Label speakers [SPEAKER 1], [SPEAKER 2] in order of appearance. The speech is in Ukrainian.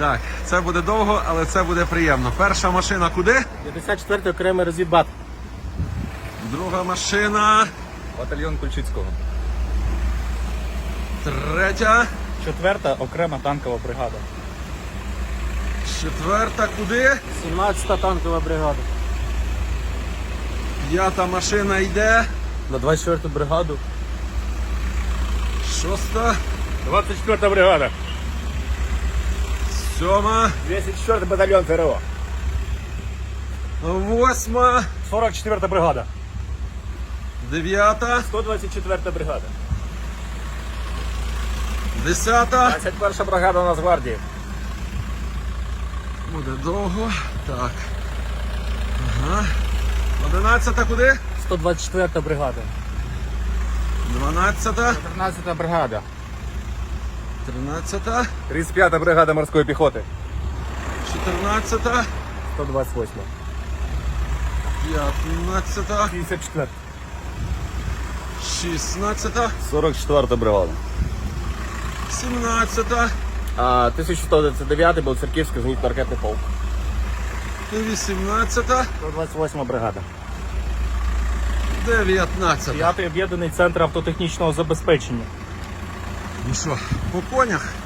[SPEAKER 1] Так, це буде довго, але це буде приємно. Перша машина куди?
[SPEAKER 2] 54-й окремий розвідбат.
[SPEAKER 1] Друга машина.
[SPEAKER 3] Батальйон Кульчицького.
[SPEAKER 1] Третя.
[SPEAKER 2] 4-та окрема танкова бригада.
[SPEAKER 1] Четверта куди?
[SPEAKER 2] 17-та танкова бригада.
[SPEAKER 1] П'ята машина йде.
[SPEAKER 2] На 24-ту бригаду.
[SPEAKER 1] Шоста.
[SPEAKER 2] 24-та бригада.
[SPEAKER 1] Сьома.
[SPEAKER 2] 204-й батальйон ТРО.
[SPEAKER 1] Восьма.
[SPEAKER 2] 44-та бригада.
[SPEAKER 1] Дев'ята.
[SPEAKER 2] 124-та бригада.
[SPEAKER 1] 10-та.
[SPEAKER 2] 21-ша бригада Нацгвардії.
[SPEAKER 1] Буде довго. Так. Ага. 11-та куди?
[SPEAKER 2] 124-та бригада.
[SPEAKER 1] 12-та.
[SPEAKER 2] 14-та бригада.
[SPEAKER 1] 13-та.
[SPEAKER 3] 35-та бригада морської піхоти.
[SPEAKER 1] 14-та.
[SPEAKER 2] 128-та.
[SPEAKER 1] 15-та.
[SPEAKER 2] 54-та.
[SPEAKER 1] 16-та.
[SPEAKER 3] 44-та бригада.
[SPEAKER 1] 17-та.
[SPEAKER 2] 1129-й Білоцерківський зенітно-ракетний полк.
[SPEAKER 1] 18-та.
[SPEAKER 2] 128-ма бригада.
[SPEAKER 1] 19-та.
[SPEAKER 2] 5-й об'єднаний центр автотехнічного забезпечення.
[SPEAKER 1] Ну що, по конях?